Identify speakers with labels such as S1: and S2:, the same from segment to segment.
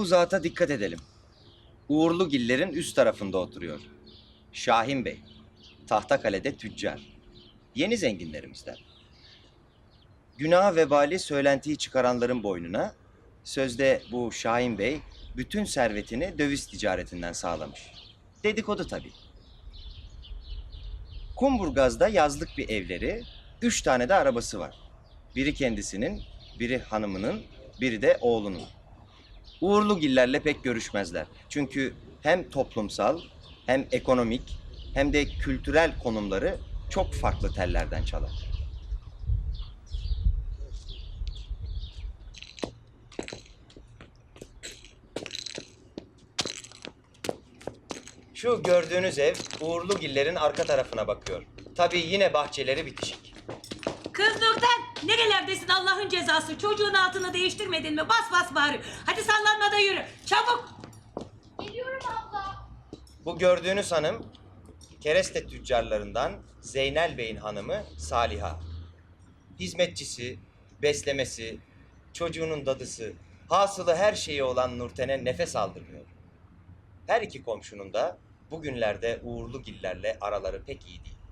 S1: Bu zata dikkat edelim. Uğurlugillerin üst tarafında oturuyor. Şahin Bey. Tahtakale'de tüccar. Yeni zenginlerimizden. Günah vebali söylentiyi çıkaranların boynuna, sözde bu Şahin Bey bütün servetini döviz ticaretinden sağlamış. Dedikodu tabii. Kumburgaz'da yazlık bir evleri, 3 tane de arabası var. Biri kendisinin, biri hanımının, biri de oğlunun. Uğurlugillerle pek görüşmezler. Çünkü hem toplumsal, hem ekonomik, hem de kültürel konumları çok farklı tellerden çalar. Şu gördüğünüz ev Uğurlugillerin arka tarafına bakıyor. Tabii yine bahçeleri bitişik.
S2: Kız Nurten, nerelerdesin Allah'ın cezası? Çocuğun altını değiştirmedin mi? Bas bas bağırıyor. Hadi sallanma da yürü. Çabuk.
S3: Geliyorum abla.
S1: Bu gördüğünüz hanım kereste tüccarlarından Zeynel Bey'in hanımı Saliha. Hizmetçisi, beslemesi, çocuğunun dadısı, hasılı her şeyi olan Nurten'e nefes aldırmıyor. Her iki komşunun da bugünlerde Uğurlugillerle araları pek iyi değil.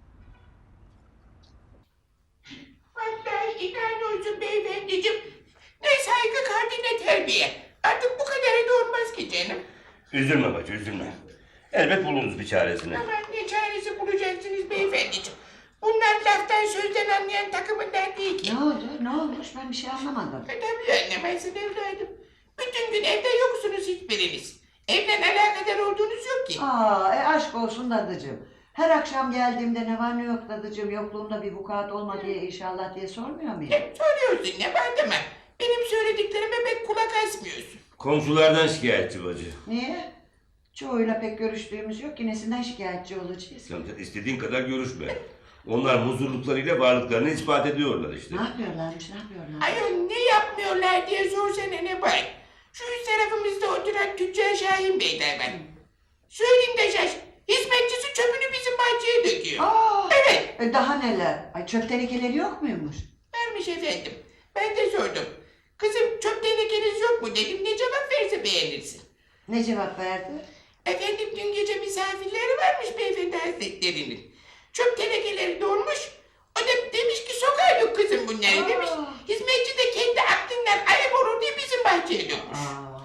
S4: Vallahi inan olsun beyefendiciğim. Ne saygı kaldı ne terbiye. Artık bu kadar da olmaz ki canım.
S5: Üzülme bacı, üzülme. Elbet buluruz bir çaresini.
S4: Aman ne çaresi bulacaksınız beyefendiciğim. Bunlar laftan sözden anlayan takımından değil ki.
S6: Ne oldu? Ne olmuş? Ben bir şey anlamadım.
S4: Tabii anlamazsın evladım. Bütün gün evde yoksunuz hiçbiriniz. Evle alakadar olduğunuz yok ki.
S6: Aşk olsun dadıcığım. Her akşam geldiğimde ne var ne yok dadıcığım, yokluğumda bir vukuat olma diye inşallah diye sormuyor muyum?
S4: Hep soruyorsun ne var deme. Benim söylediklerime pek kulak asmıyorsun.
S5: Komşulardan şikayetçi bacı.
S6: Niye? Çoğuyla pek görüştüğümüz yok ki nesinden şikayetçi olacağız?
S5: Sen istediğin kadar görüşme. Onlar huzurluklarıyla varlıklarını ispat ediyorlar işte.
S6: Ne yapıyorlarmış, ne yapıyorlar?
S4: Ayol ne yapmıyorlar diye sorsana ne var. Şu üst tarafımızda oturan tüccar Şahin Bey'den ben. Söyleyeyim de şaş. Hizmetçisi çöpünü bizim bahçeye döküyor. Evet.
S6: Daha neler? Ay çöp tenekeleri yok muymuş?
S4: Vermiş efendim. Ben de sordum. Kızım çöp tenekeniz yok mu dedim. Ne cevap verse beğenirsin.
S6: Ne cevap verdi?
S4: Efendim dün gece misafirleri varmış beyefendi hazretlerinin. Çöp tenekeleri dolmuş. O da demiş ki sokağa dök kızım bunları demiş. Hizmetçi de kendi aklından ayıp olur diye bizim bahçeye dökmüş.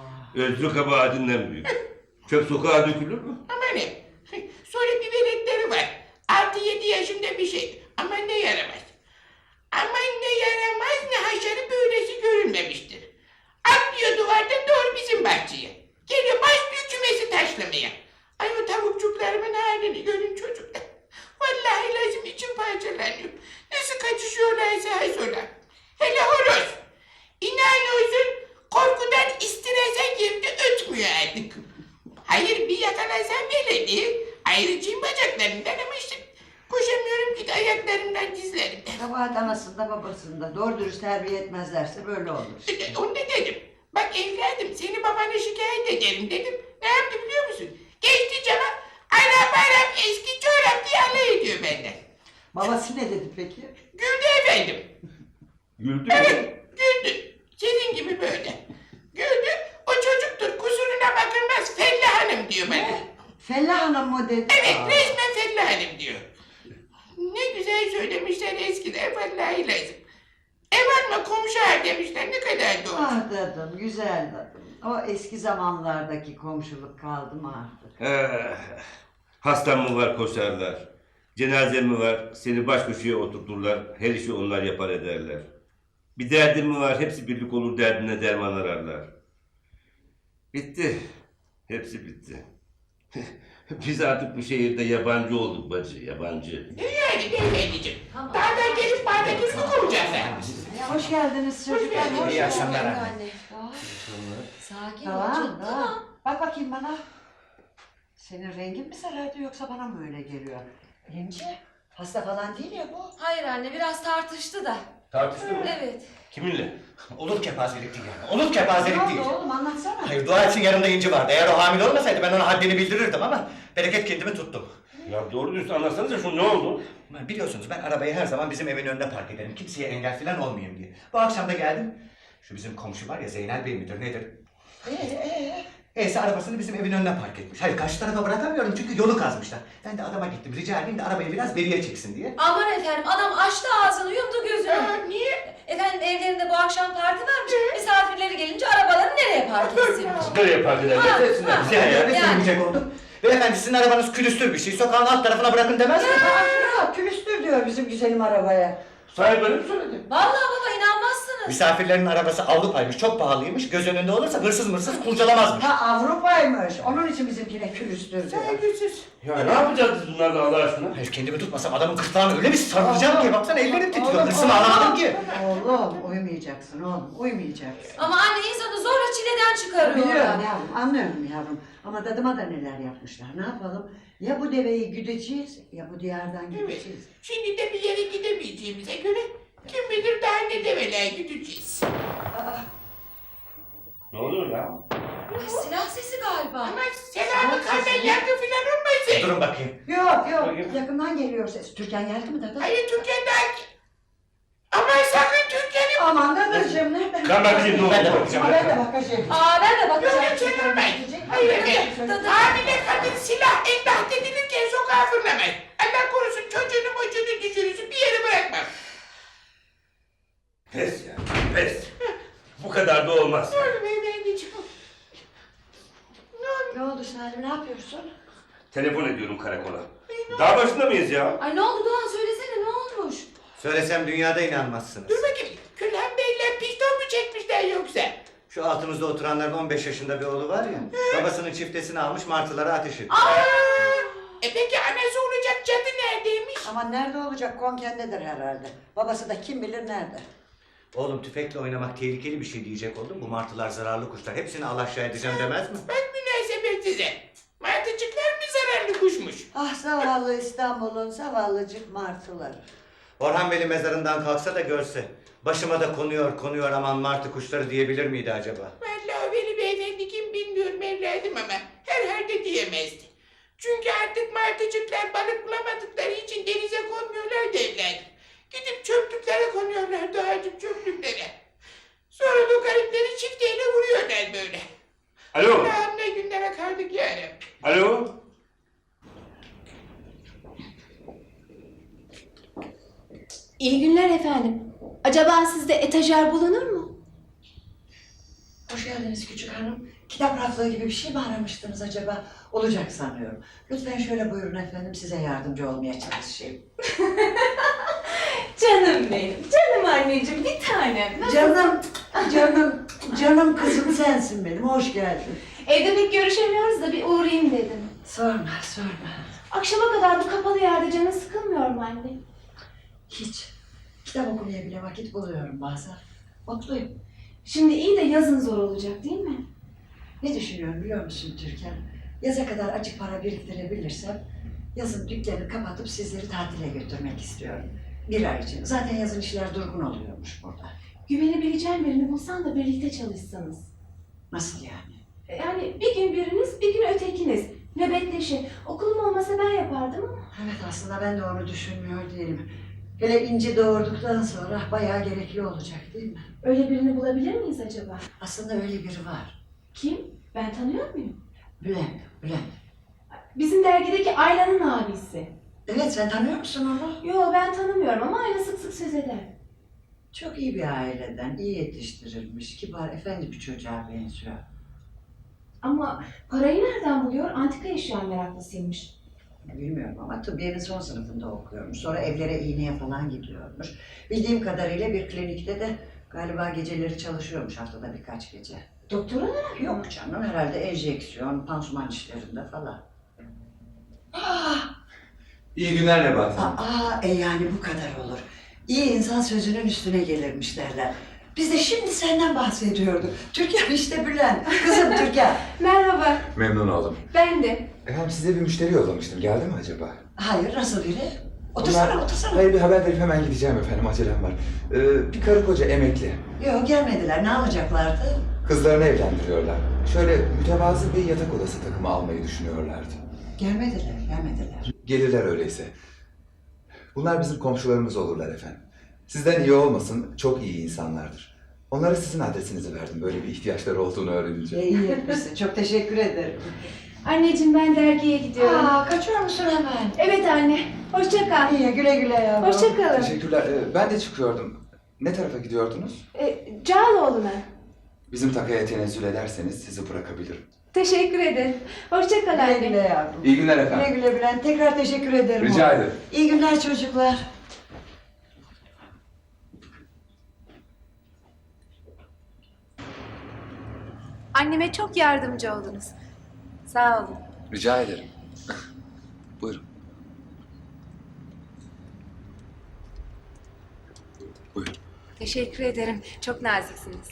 S5: Özrü kabahatinden büyük. Çöp sokağa dökülür mü?
S4: Ama ne? Sonra bir veletleri var. 6-7 yaşında bir şey. Ama ne yaramaz. Ama ne yaramaz ne haşarı böylesi görülmemiştir. Atlıyor duvardan doğru bizim bahçeye. Geliyor başlıyor kümesi taşlamaya. Ay o tavukçuklarımın halini görün çocuklar. Vallahi lazım içim parçalanıyor. Nasıl kaçışıyorlarsa hay sola. Hele horoz. İnan olsun korkudan istrese girdi ötmüyor artık. Hayır bir yakalasam bile değil. Ayrıcıyım bacaklarından ama işte koşamıyorum ki de ayaklarımdan dizlerimden.
S6: Kabahat anasında babasında. Doğru dürüst terbiye etmezlerse böyle olur.
S4: Onu da dedim. Bak evladım seni babana şikayet ederim dedim. Ne yaptı biliyor musun? Geçti cama Arap eski çorap diye alay ediyor benden.
S6: Babası ne dedi peki?
S4: Güldü efendim.
S5: Güldü mü?
S4: Evet güldü. Senin gibi böyle. Güldü. O çocuktur kusuruna bakılmaz Fella Hanım diyor bana.
S6: Fellah Hanım mı dedi?
S4: Evet resmen Fella Hanım diyor. Ne güzel söylemişler eskiler vallahi lazım. Ev alma komşu er demişler ne kadar doğru.
S6: Ah dadım, güzel dadım. O eski zamanlardaki komşuluk kaldı mı artık?
S5: Hastan mı var koşarlar. Cenazen mi var seni baş köşeye oturturlar. Her işi onlar yapar ederler. Bir derdin mi var hepsi birlik olur derdine derman ararlar. Bitti. Hepsi bitti. Biz artık bu şehirde yabancı olduk bacı, yabancı.
S4: Ne yani beyefendiciğim? Dağdan gelip bağdakini mi kovacaklar?
S6: Hoş geldiniz çocuklar.
S4: geldiniz.
S6: Hoş
S1: İyi akşamlar
S6: geldiniz.
S1: anne.
S3: Sakin ol
S6: Tamam,
S3: canım.
S6: tamam. Bak bakayım bana. Senin rengin mi sarardı yoksa bana mı öyle geliyor? Yemce, hasta falan değil ya bu.
S3: Hayır anne biraz tartıştı da.
S5: Tartıştı mı?
S3: Evet.
S5: Kiminle?
S7: Olur kepazelik değil yani. Olur kepazelik
S6: Ne
S7: değil.
S6: oldu oğlum anlatsana.
S7: Hayır dua etsin yanımda İnci vardı. Eğer o hamile olmasaydı ben ona haddini bildirirdim ama bereket kendimi tuttum.
S5: Ya doğru dürüst anlatsanıza şu ne oldu?
S7: Biliyorsunuz ben arabayı her zaman bizim evin önüne park ederim. Kimseye engel falan olmayayım diye. Bu akşam da geldim. Şu bizim komşu var ya Zeynel Bey midir nedir? Arabasını bizim evin önüne park etmiş. Hayır karşı tarafa bırakamıyorum çünkü yolu kazmışlar. Ben de adama gittim rica edeyim de arabayı biraz beriye çeksin diye.
S3: Aman efendim adam açtı ağzını yumdu gözünü.
S4: Niye?
S3: Efendim evlerinde bu akşam parti varmış. Misafirleri gelince arabalarını nereye park etsinmiş?
S5: Nereye park ederler? Etsinler.
S7: Bize her yerde
S3: Yani.
S7: sürmeyecek olduk. Beyefendi sizin arabanız külüstür bir şey. Sokağın alt tarafına bırakın demez mi?
S6: Ya külüstür diyor bizim güzelim arabaya.
S5: Sahibi öyle mi söyledi?
S3: Vallahi baba inanmazsınız.
S7: Misafirlerin arabası Avrupa'ymış, çok pahalıymış. Göz önünde olursa hırsız mırsız kurcalamazmış.
S6: Ha Avrupa'ymış. Onun için bizimkine külüstür diyor.
S4: Saygısız.
S5: Ya ne yapacağız biz bunlarla Allah aşkına?
S7: Hayır kendimi tutmasam adamın kırtlağını öyle bir sarılacağım ki baksana ellerim titriyor.
S6: Oğlum,
S7: Hırsımı alamadım ki.
S6: Oğlum uyumayacaksın oğlum. Uyumayacaksın.
S3: Ama anne insanı zorla çileden çıkarıyorlar.
S6: Biliyorum yavrum, anlıyorum yavrum. Ama dadıma da neler yapmışlar. Ne yapalım? Ya bu deveyi güdeceğiz, ya bu diyardan
S4: Evet.
S6: gideceğiz.
S4: Şimdi de bir yere gidemeyeceğimize göre kim bilir daha ne develer gideceğiz.
S5: Ne oluyor ya?
S3: Ay, silah sesi galiba.
S4: Ama Selami kardan yargı filan olmasın.
S7: Durun bakayım.
S6: Yok yok, yakından geliyor ses. Türkan geldi mi dadı?
S4: Hayır Türkiye'den. Aman sakın Türkiye'nin.
S6: Aman dadacığım nereden?
S5: Ben bakayım ne
S7: Ben de
S5: oldu?
S7: bakacağım.
S6: Ama ben de bakacağım.
S3: Aa ben de bakacağım.
S4: Yok çevirmez. Hayır efendim. Hamile kadın silah endaht edilirken sokağa fırlamaz. Allah korusun çocuğunu mocuğunu düşürürsün bir yere bırakmam.
S5: Pes ya, pes. Bu kadar da olmaz.
S4: Ne olur beyefendiciğim.
S6: Ne oldu Salim, ne yapıyorsun?
S5: Telefon ediyorum karakola. Daha başında mıyız ya?
S3: Ay ne oldu Doğan söylesene ne olmuş?
S7: Söylesem dünyada inanmazsınız.
S4: Dur bakayım. Külhan Bey'le piston mu çekmişler yoksa?
S7: Şu altımızda oturanların 15 yaşında bir oğlu var ya. Babasının çiftesini almış martılara ateş ediyor.
S4: Peki anası olacak cadı neredeymiş?
S6: Ama nerede olacak? Konkendedir herhalde. Babası da kim bilir nerede.
S7: Oğlum tüfekle oynamak tehlikeli bir şey diyecek oldum. Bu martılar zararlı kuşlar. Hepsini alaşağı edeceğim demez mi?
S4: Bak münasebet size. Martıcıklar mı zararlı kuşmuş?
S6: Ah zavallı İstanbul'un zavallıcık martıları.
S7: Orhan Veli mezarından kalksa da görse. Başıma da konuyor aman martı kuşları diyebilir miydi acaba?
S4: Vallahi Veli beyefendi kim bilmiyorum evladım ama herhalde diyemezdi. Çünkü artık martıcıklar balık bulamadıkları için denize konmuyorlar da evladım. Gidip çöplüklere konuyorlar doğacık çöplüklere. Sonra da garipleri çifteyle vuruyorlar böyle.
S5: Alo,
S4: Allah'ım ne günlere kaldık yani.
S5: alo.
S8: İyi günler efendim. Acaba sizde etajer bulunur mu?
S6: Hoş geldiniz küçük hanım. Kitap raflığı gibi bir şey mi aramıştınız acaba? Olacak sanıyorum. Lütfen şöyle buyurun efendim, size yardımcı olmaya çalışayım.
S8: Canım benim, canım anneciğim, bir tanem.
S6: Canım kızım sensin benim, hoş geldin.
S8: Evde pek görüşemiyoruz da bir uğrayayım dedim.
S6: Sorma.
S8: Akşama kadar bu kapalı yerde canın sıkılmıyor mu anne?
S6: Hiç. Kitap okumaya bile vakit buluyorum bazen. Mutluyum.
S8: Şimdi iyi de yazın zor olacak değil mi?
S6: Ne düşünüyorum biliyor musun Türkan? Yaza kadar açık para biriktirebilirsem yazın dükkanı kapatıp sizleri tatile götürmek istiyorum. Bir ay için. Zaten yazın işler durgun oluyormuş burada.
S8: Güvenebileceğin birini bulsan da birlikte çalışsanız.
S6: Nasıl yani?
S8: Yani bir gün biriniz, bir gün ötekiniz. Nöbetleşin. Okulum olmasa ben yapardım ama.
S6: Evet aslında ben de onu düşünmüyor değilim. Hele İnci doğurduktan sonra bayağı gerekli olacak değil mi?
S8: Öyle birini bulabilir miyiz acaba?
S6: Aslında öyle biri var.
S8: Kim? Ben tanıyor muyum?
S6: Bülent.
S8: Bizim dergideki Ayla'nın abisi.
S6: Evet sen tanıyor musun onu?
S8: Yo ben tanımıyorum ama Ayla sık sık söz eder.
S6: Çok iyi bir aileden, iyi yetiştirilmiş, kibar, efendi bir çocuğa benziyor.
S8: Ama parayı nereden buluyor? Antika eşya meraklısıymış.
S6: Bilmiyorum ama tıbbiyenin son sınıfında okuyormuş. Sonra evlere iğneye falan gidiyormuş. Bildiğim kadarıyla bir klinikte de galiba geceleri çalışıyormuş, haftada birkaç gece.
S8: Doktor olarak mı?
S6: Yok canım, herhalde enjeksiyon, pansuman işlerinde falan.
S9: İyi günler Nebahat Hanım.
S6: Yani bu kadar olur. İyi insan sözünün üstüne gelirmiş derler. Biz de şimdi senden bahsediyorduk. Türkan işte Bülent. Kızım Türkan.
S8: Merhaba,
S9: Memnun oldum.
S8: ben de.
S9: Efendim size bir müşteri yollamıştım. Geldi mi acaba?
S6: Hayır, nasıl biri? Otursana.
S9: Hayır bir haber verip hemen gideceğim efendim. Acelem var. Bir karı koca emekli.
S6: Yok gelmediler. Ne alacaklardı?
S9: Kızlarını evlendiriyorlar. Şöyle mütevazı bir yatak odası takımı almayı düşünüyorlardı.
S6: Gelmediler.
S9: Gelirler öyleyse. Bunlar bizim komşularımız olurlar efendim. Sizden iyi olmasın, çok iyi insanlardır. Onlara sizin adresinizi verdim böyle bir ihtiyaçları olduğunu öğrenince.
S6: İyi etmişsin. Çok teşekkür ederim.
S8: Anneciğim ben dergiye gidiyorum.
S3: Kaçıyor musun hemen?
S8: Evet anne. Hoşça kal.
S6: İyi güle güle yavrum.
S8: Hoşça kalın.
S9: Teşekkürler. Ben de çıkıyordum. Ne tarafa gidiyordunuz?
S8: Cağaloğlu'na.
S9: Bizim takaya tenezzül ederseniz sizi bırakabilirim.
S8: Teşekkür ederim. Hoşça kal
S6: Güle
S8: anne.
S6: güle yavrum.
S9: İyi günler
S6: Güle
S9: efendim.
S6: güle Bülent. Tekrar teşekkür ederim.
S9: Rica
S6: oğlum.
S9: ederim.
S6: İyi günler çocuklar.
S8: Anneme çok yardımcı oldunuz. Sağ olun.
S9: Rica ederim. Buyurun. Buyurun.
S8: Teşekkür ederim. Çok naziksiniz.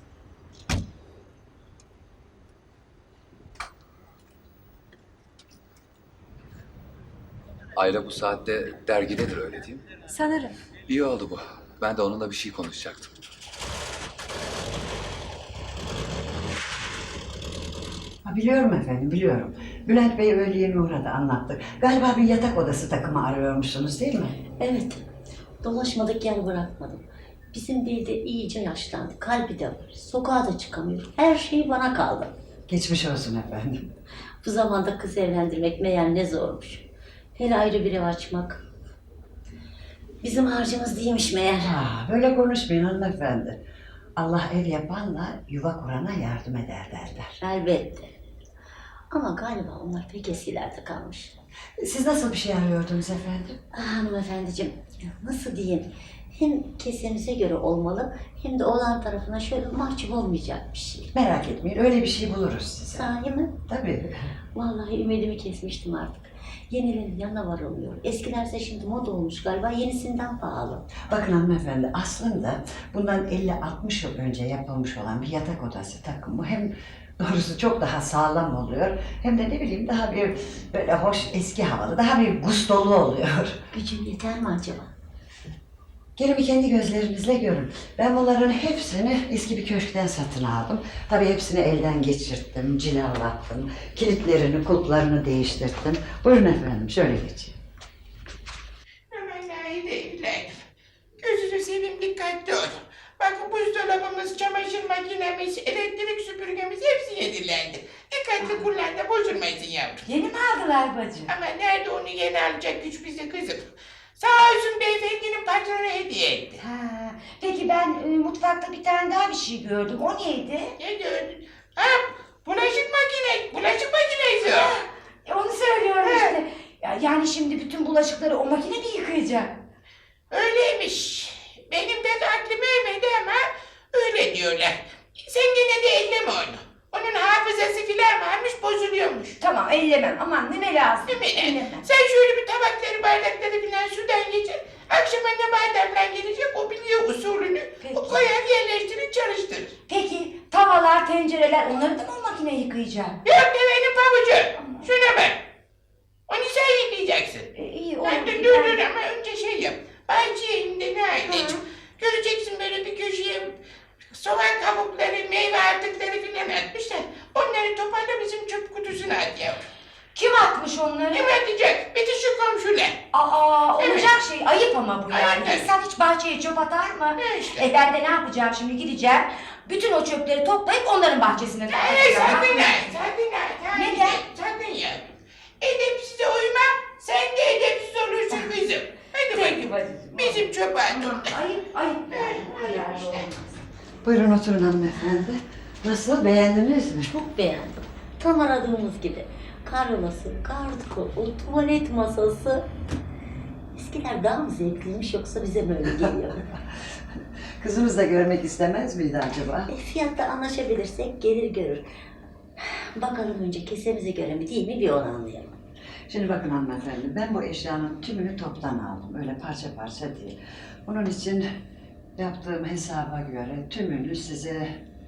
S9: Ayla bu saatte dergidedir öyle değil mi?
S8: Sanırım.
S9: İyi oldu bu. Ben de onunla bir şey konuşacaktım.
S6: Biliyorum efendim, biliyorum. Bülent Bey öğle yemeğe uğradı, anlattı. Galiba bir yatak odası takımı arıyormuşsunuz değil mi?
S2: Evet. Dolaşmadık yer bırakmadım. Bizim bey de iyice yaşlandı. Kalbi de var. Sokağa da çıkamıyor. Her şey bana kaldı.
S6: Geçmiş olsun efendim.
S2: Bu zamanda kız evlendirmek meğer ne zormuş. Hele ayrı bir ev açmak. Bizim harcımız değilmiş meğer.
S6: Böyle konuşmayın hanımefendi. Allah ev yapanla yuva kurana yardım eder derler.
S2: Elbette. Ama galiba onlar pek eskilerde kalmış.
S6: Siz nasıl bir şey arıyordunuz efendim?
S2: Hanımefendiciğim, nasıl diyeyim? Hem kesemize göre olmalı, hem de oğlan tarafına şöyle mahcup olmayacak bir şey.
S6: Merak etmeyin, öyle bir şey buluruz size.
S2: Sahi mi?
S6: Tabii.
S2: Vallahi ümidimi kesmiştim artık. Yenilerin yanına varılmıyor. Eskilerse şimdi moda olmuş galiba, yenisinden pahalı.
S6: Bakın hanımefendi, aslında bundan 50-60 yıl önce yapılmış olan bir yatak odası takımı hem doğrusu çok daha sağlam oluyor, hem de ne bileyim daha bir böyle hoş, eski havalı, daha bir gustolu oluyor.
S2: Gücüm yeter mi acaba?
S6: Gelin bir kendi gözlerinizle görün. Ben bunların hepsini eski bir köşkten satın aldım. Tabii hepsini elden geçirttim, cilalattım. Kilitlerini, kulplarını değiştirdim. Buyurun efendim, şöyle geçin.
S4: Aman Nahide evladım. Gözünü seveyim dikkatli ol. Bakın buzdolabımız, çamaşır makinemiz, elektrik süpürgemiz hepsi yenilendi. Dikkatli kullan da bozulmasın yavrum.
S3: Yeni mi aldılar bacım?
S4: Ama nerede onu yeni alacak güç bize kızım. Sağ olsun beyefendinin patronu hediye etti.
S3: Peki ben mutfakta bir tane daha bir şey gördüm. O neydi?
S4: Ne gördün? Bulaşık makinesi o.
S3: Onu söylüyorum işte. Yani şimdi bütün bulaşıkları o makine mi yıkayacak?
S4: Öyleymiş. Benim pek aklım ermedi ama öyle diyorlar. Sen gene de elleme onu. Onun hafızası filan varmış, bozuluyormuş.
S3: Tamam ellemem. Aman neme lazım?
S4: Değil mi?
S3: Ellemem.
S4: Sen şöyle bir tabakları, bardakları filan sudan geçir. Akşama ne bardaklar gelecek, o biliyor usulünü.
S3: Peki.
S4: O koyar, yerleştirir, çalıştırır.
S3: Peki tavalar, tencereler onları da mı o makine yıkayacak?
S4: Yok be benim pabucu. Şuna bak. Onu sen yıkayacaksın.
S3: İyi olur.
S4: Dur ama önce şey yap. Bahçeye indi ne anneciğim. Göreceksin böyle bir köşeye soğan kabukları, meyve artıkları filan atmışlar. Onları toparla bizim çöp kutusuna at yavrum.
S3: Kim atmış onları?
S4: Kim atacak? Bitti şu komşular.
S3: Olacak şey. Ayıp ama bu yani.
S4: Ayıp.
S3: İnsan hiç bahçeye çöp atar mı?
S4: Ne işte?
S3: Ben de ne yapacağım şimdi gideceğim. Bütün o çöpleri toplayıp onların bahçesine
S4: Hayır
S3: dökeceğim.
S4: sakın ha. Sakın ha.
S3: Neden?
S4: Sakın yavrum. Edepsize uyma. Sen de edepsiz olursun kızım. Hadi bakayım.
S3: bacım.
S4: Bizim çöpe at onları.
S3: Ayıp. Bu kadar da olmaz.
S6: Buyurun oturun hanımefendi. Nasıl, beğendiniz mi?
S2: Çok beğendim. Tam aradığımız gibi. Karolası, gardırobı, tuvalet masası. Eskiler daha mı zevkliymiş yoksa bize mi öyle geliyor?
S6: Kızımız da görmek istemez miydi acaba?
S2: Fiyatta anlaşabilirsek gelir görür. Bakalım önce kesemize göre mi değil mi bir onu anlayalım.
S6: Şimdi bakın hanımefendi, ben bu eşyanın tümünü toptan aldım. Öyle parça parça değil. Bunun için yaptığım hesaba göre tümünü size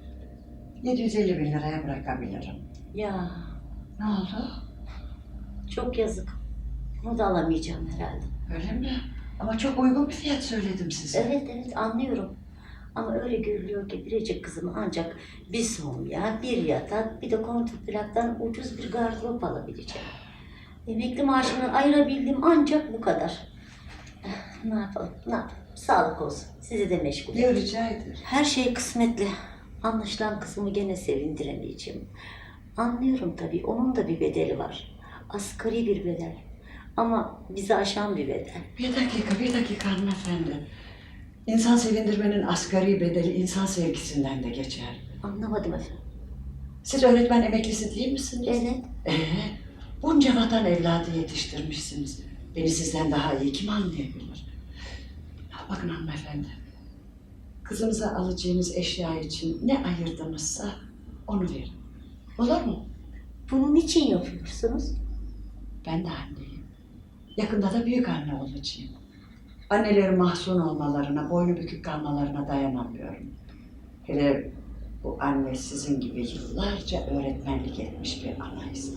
S6: 750 bin liraya bırakabilirim.
S2: Ya
S6: Ne oldu?
S2: çok yazık. Bunu da alamayacağım herhalde.
S6: Öyle mi? Ama çok uygun bir fiyat söyledim size.
S2: Evet anlıyorum. Ama öyle görülüyor ki biricik kızım ancak bir somya, bir yatak, bir de kontrplaktan ucuz bir gardırop alabileceğim. Emekli maaşımdan ayırabildiğim ancak bu kadar. Ne yapalım? Sağlık olsun. Sizi de meşgul
S6: Yok,
S2: edin.
S6: rica ederim.
S2: Her şey kısmetli. Anlaşılan kızımı gene sevindiremeyeceğim. Anlıyorum tabii. Onun da bir bedeli var. Asgari bir bedel. Ama bizi aşan bir bedel.
S6: Bir dakika hanımefendi. İnsan sevindirmenin asgari bedeli insan sevgisinden de geçer.
S2: Anlamadım efendim.
S6: Siz öğretmen emeklisi değil misiniz?
S2: Evet.
S6: Bunca vatan evladı yetiştirmişsiniz. Beni sizden daha iyi kim anlayabilir? Bakın hanımefendi. Kızımıza alacağınız eşya için ne ayırdınızsa onu verin. Olur mu?
S2: Bunun için yapıyorsunuz?
S6: Ben de anneyim. Yakında da büyük anne olacağım. Annelerin mahzun olmalarına, boynu bükük kalmalarına dayanamıyorum. Hele bu anne sizin gibi yıllarca öğretmenlik etmiş bir anaysa.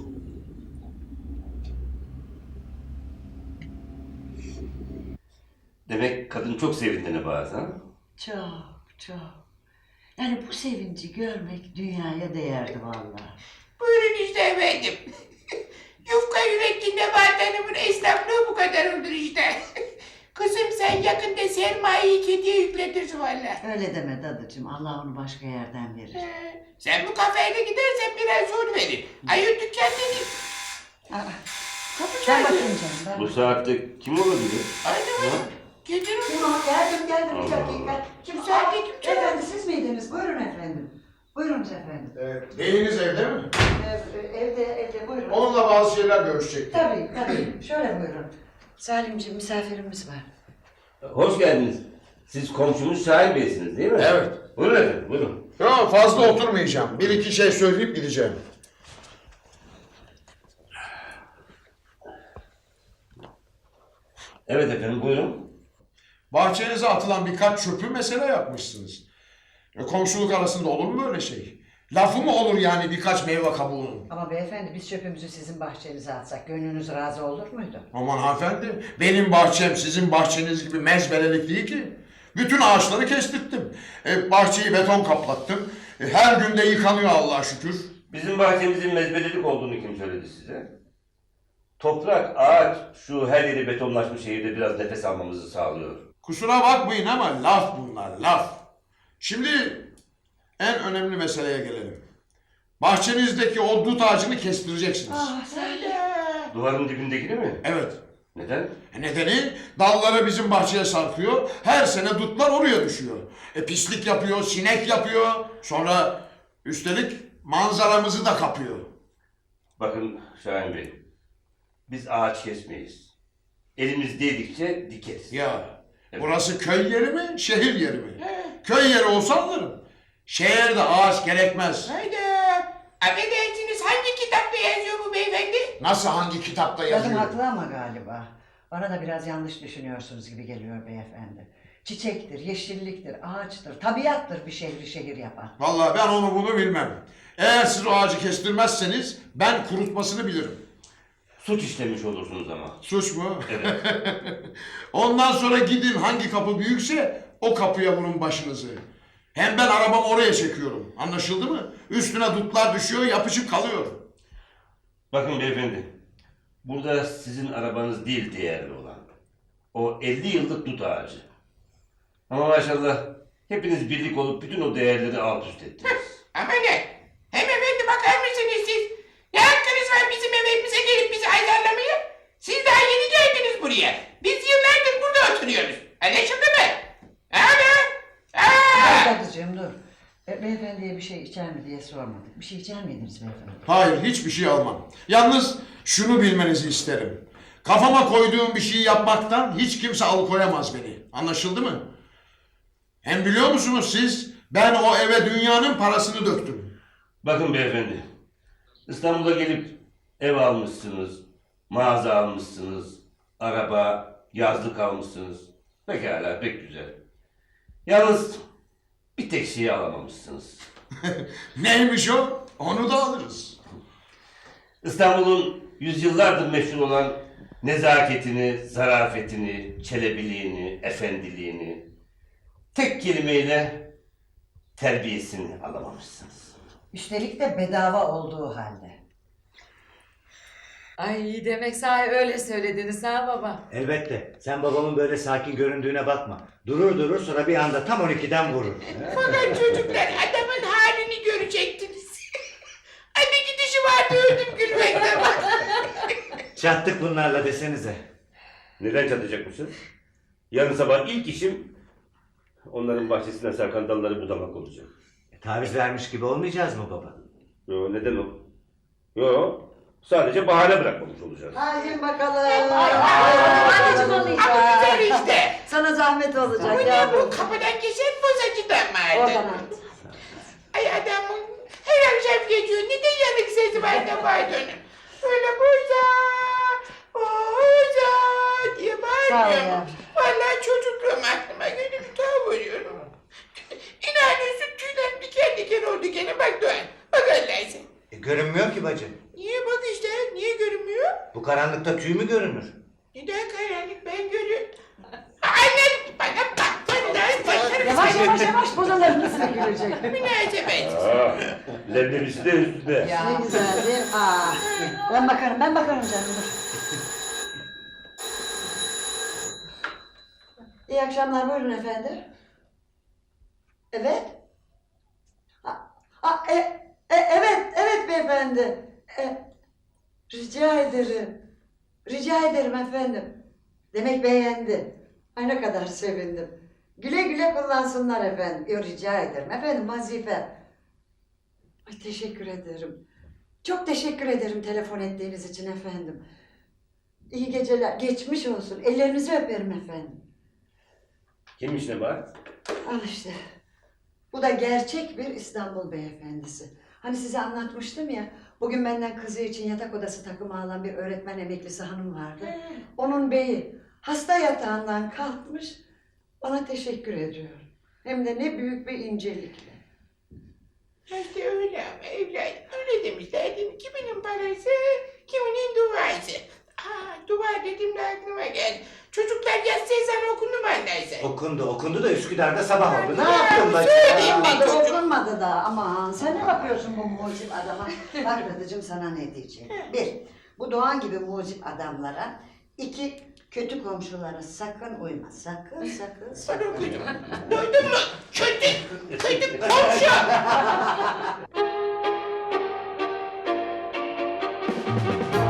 S5: Demek kadın çok sevindi Nebahat ha?
S6: Çok. Yani bu sevinci görmek dünyaya değerdi vallahi.
S4: Buyurun işte efendim. Yufka yürekli Nebahat Hanım'ın esnaflığı bu kadar olur işte. Kızım sen yakında sermayeyi kediye yükletirsin valla.
S6: Öyle deme dadıcığım. Allah onu başka yerden verir.
S4: Sen bu kafayla gidersen biraz zor verir. Ayır dükkan dedi.
S6: Ben bakayım canım.
S5: Bu saatte kim olabilir?
S4: Aynen. Getirin.
S6: Geldim
S5: Allah
S6: bir dakika.
S4: Kim saatte kim çalar?
S6: Efendim siz miydiniz? Buyurun efendim. Buyurunuz efendim.
S10: Beyiniz evde mi?
S6: Evde buyurun.
S10: Onunla bazı şeyler görüşecektim.
S6: Tabii. Şöyle buyurun. Salimciğim misafirimiz var.
S5: Hoş geldiniz. Siz komşumuz Şahin Bey'siniz değil mi?
S10: Evet.
S5: Buyurun efendim, buyurun.
S10: Yok fazla oturmayacağım. Bir iki şey söyleyip gideceğim.
S5: Evet efendim, buyurun.
S10: Bahçenize atılan birkaç çöpü mesele yapmışsınız. Komşuluk arasında olur mu öyle şey? Lafı mı olur yani birkaç meyve kabuğunun?
S6: Ama beyefendi biz çöpümüzü sizin bahçenize atsak gönlünüz razı olur muydu?
S10: Aman hanımefendi, benim bahçem sizin bahçeniz gibi mezbelelik değil ki. Bütün ağaçları kestirttim. Bahçeyi beton kaplattım. Her günde yıkanıyor Allah'a şükür.
S5: Bizim bahçemizin mezbelelik olduğunu kim söyledi size? Toprak, ağaç, şu her yeri betonlaşmış şehirde biraz nefes almamızı sağlıyor.
S10: Kusura bakmayın ama laf bunlar, laf. Şimdi en önemli meseleye gelelim. Bahçenizdeki o dut ağacını kestireceksiniz.
S5: Duvarın dibindekini mi?
S10: Evet.
S5: Neden?
S10: Nedeni dalları bizim bahçeye sarkıyor. Her sene dutlar oraya düşüyor. Pislik yapıyor, sinek yapıyor. Sonra üstelik manzaramızı da kapıyor.
S5: Bakın Şahin Bey, biz ağaç kesmeyiz. Elimiz değdikçe dikeriz.
S10: Ya
S5: Evet.
S10: burası köy yeri mi, şehir yeri mi? Köy yeri olsa anlarım. Şehirde ağaç gerekmez.
S4: Hayda. Affedersiniz hangi kitapta yazıyor bu beyefendi?
S10: Nasıl hangi kitapta
S6: Kadın
S10: yazıyor?
S6: haklı ama galiba. Bana da biraz yanlış düşünüyorsunuz gibi geliyor beyefendi. Çiçektir, yeşilliktir, ağaçtır, tabiattır bir şehri şehir yapan.
S10: Vallahi ben onu bunu bilmem. Eğer siz o ağacı kestirmezseniz ben kurutmasını bilirim.
S5: Suç işlemiş olursunuz ama.
S10: Suç mu?
S5: Evet.
S10: Ondan sonra gidin hangi kapı büyükse o kapıya vurun başınızı. Hem ben arabamı oraya çekiyorum. Anlaşıldı mı? Üstüne dutlar düşüyor, yapışıp kalıyor.
S5: Bakın beyefendi, burada sizin arabanız değil değerli olan. O 50 yıllık dut ağacı. Ama maşallah hepiniz birlik olup bütün o değerleri alt üst ettiniz.
S4: Ama ne? Hem efendi bakar mısınız siz? Ne hakkınız var bizim evimize gelip bizi azarlamaya? Siz daha yeni geldiniz buraya. Biz yıllardır burada oturuyoruz. Anlaşıldı mı?
S6: Dadıcığım dur. Beyefendiye bir şey içer mi diye sormadık. Bir şey içer miydiniz beyefendi?
S10: Hayır, hiçbir şey almam. Yalnız şunu bilmenizi isterim. Kafama koyduğum bir şeyi yapmaktan hiç kimse alıkoyamaz beni. Anlaşıldı mı? Hem biliyor musunuz siz, ben o eve dünyanın parasını döktüm.
S5: Bakın beyefendi, İstanbul'a gelip ev almışsınız, mağaza almışsınız, araba, yazlık almışsınız. Pekala, pek güzel. Yalnız bir tek şeyi alamamışsınız.
S10: Neymiş o? Onu da alırız.
S5: İstanbul'un yüzyıllardır meşhur olan nezaketini, zarafetini, çelebiliğini, efendiliğini, tek kelimeyle terbiyesini alamamışsınız.
S6: Üstelik de bedava olduğu halde.
S3: Ay demek sahi öyle söylediniz ha baba.
S11: Elbette. Sen babamın böyle sakin göründüğüne bakma. Durur sonra bir anda tam 12'den vurur.
S4: Fakat çocuklar adamın halini görecektiniz. Anne gidişi vardı öldüm gülmekten bak.
S11: Çattık bunlarla desenize.
S5: Neden çatacakmışız? Yarın sabah ilk işim onların bahçesinden sarkan dalları budamak olacak.
S11: Taviz vermiş gibi olmayacağız mı baba?
S5: Yo, neden o? Yo, sadece bahane bırakmamış olacağız.
S6: Hadi bakalım.
S4: Anneciğim alayım. Ama güzel işte.
S6: Sana zahmet olacak
S4: Bu ne
S6: ya
S4: bu kapıdan geçen bozacıdan vardı.
S6: Oradan at.
S4: Ay adamın her akşam geçiyor. Neden yanık sesi var da vardı onun? Öyle boza diye
S6: Sağ ol
S4: bağırıyor.
S6: ya.
S4: Vallahi çocukluğum aklıma gönül bir tuhaf oluyorum. İnanıyorsun tüylerim diken diken oldu gene bak Doğan. Bak Allah'ın.
S11: Görünmüyor ki bacı.
S4: Niye bak işte niye görünmüyor?
S11: Bu karanlıkta tüy mü görünür?
S4: Neden karanlık ben görüyorum. Annem bana bak.
S6: Yavaş yavaş bozaların üstüne girecek.
S4: Münasebet.
S5: Leblebisi de üstünde.
S6: Ne güzel değil mi? Ben bakarım canım. İyi akşamlar, buyurun efendim. Evet. Evet beyefendi. Rica ederim efendim. Demek beğendi. Ay ne kadar sevindim. Güle güle kullansınlar efendim. Rica ederim efendim, vazife. Ay teşekkür ederim. Çok teşekkür ederim telefon ettiğiniz için efendim. İyi geceler. Geçmiş olsun. Ellerinizi öperim efendim.
S5: Kimmiş ne var?
S6: Al işte. Bu da gerçek bir İstanbul beyefendisi. Hani size anlatmıştım ya. Bugün benden kızı için yatak odası takımı alan bir öğretmen emeklisi hanım vardı. Onun beyi hasta yatağından kalkmış. Bana teşekkür ediyor. Hem de ne büyük bir incelikle.
S4: İşte öyle ama evladım öyle demişler değil mi? Kiminin parası, kiminin duası. Dua dedim de aklıma geldi. Çocuklar yatsı ezanı okundu mu anlaysa?
S11: Okundu da Üsküdar'da sabah oldu. Ne
S4: Ya,
S11: yapıyorsun bacı?
S4: söyleyeyim ben
S6: Okunmadı,
S4: çocuğum.
S6: okunmadı da. Aman sen ne bakıyorsun bu mucip adama? Bak Dadıcığım sana ne diyeceğim. Bir, bu Doğan gibi mucip adamlara. İki, kötü komşulara sakın uyma. Sakın.
S4: Bana okudum. Duydun mu? Kötü komşu.